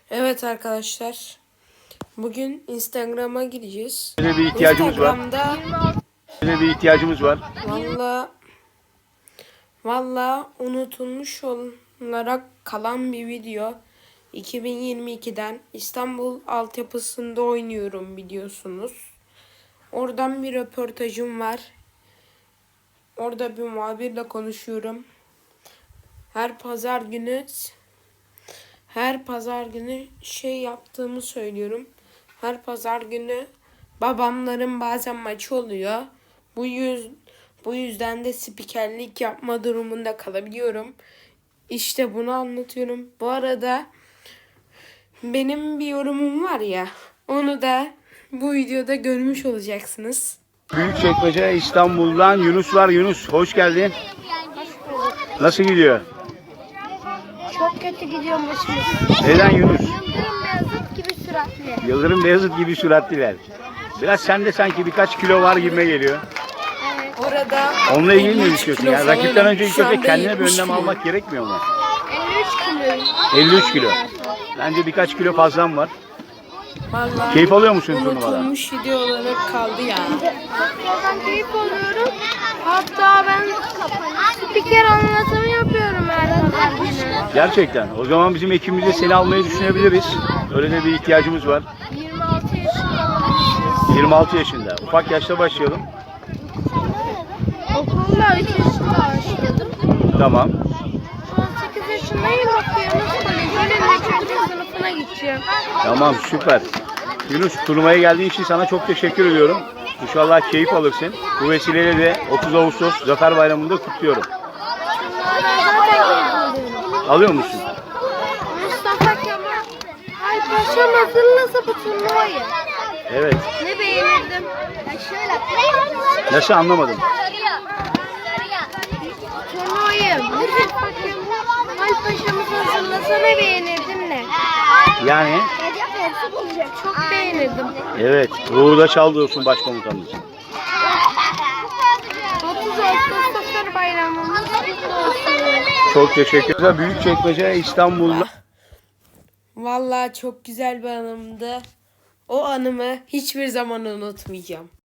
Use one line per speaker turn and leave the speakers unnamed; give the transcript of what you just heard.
Evet arkadaşlar. Bugün Instagram'a gideceğiz.
Böyle bir ihtiyacımız var. Böyle bir ihtiyacımız var.
Valla unutulmuş olarak kalan bir video. 2022'den İstanbul altyapısında oynuyorum biliyorsunuz. Oradan bir röportajım var. Orada bir muhabirle konuşuyorum. Her pazar günü şey yaptığımı söylüyorum. Her pazar günü babamların bazen maçı oluyor. Bu yüzden de spikerlik yapma durumunda kalabiliyorum. İşte bunu anlatıyorum. Bu arada benim bir yorumum var ya. Onu da bu videoda görmüş olacaksınız.
Büyükçekmece İstanbul'dan Yunus var. Yunus hoş geldin. Nasıl gidiyor?
Çok kötü gidiyor başımız.
Neden Yunus?
Yıldırım Beyazıt gibi süratli.
Yıldırım Beyazıt gibi süratliler. Biraz sende sanki birkaç kilo var gibime geliyor.
Evet.
Orada
Onunla ilgili mi
53
düşünüyorsun?
kilo
Yani rakipten
falanım.
önce ilk
Şu
önce
anda
kendine bir
70
önlem
kilo.
almak gerekmiyor mu?
53 kilo.
53 kilo. Bence birkaç kilo fazlam var.
vallahi
Keyif alıyor musun turnuvadan?
unutulmuş video olarak kaldı ya.
Ben keyif alıyorum. Hatta ben spiker anlatımı yapıyorum her pazar günü.
Gerçekten. O zaman bizim ekibimizde seni almayı düşünebiliriz. Öyle de bir ihtiyacımız var.
26 yaşında olmuşuz.
26 yaşında. Ufak yaşta başlayalım.
Okulda 3 yaşında başladım.
Tamam.
18 yaşındayım, bakıyorum. Kolejin 3. sınıfına gideceğim.
Tamam, süper. Yunus, turnuvaya geldiğin için sana çok teşekkür ediyorum. İnşallah keyif alırsın. Bu vesileyle de 30 Ağustos Zafer Bayramı'nda kutluyorum.
Ben zaten keyif alıyorum.
Alıyor musun?
Mustafa Kemal Paşam hazırlasa bu turnuvayı.
Evet.
Ne beğenirdim?
Nasıl, anlamadım.
Turnuvayı Mustafa Kemal Paşamız hazırlasa ne beğenirdim ne?
Yani
Çok beğenirdim.
evet, ruhu da çaldı olsun başkomutanımız.
30 Ağustos Zafer Bayramımız kutlu olsun.
Çok teşekkür ederim. Büyükçekmece İstanbul'da.
Vallahi çok güzel bir anımdı. O anımı hiçbir zaman unutmayacağım.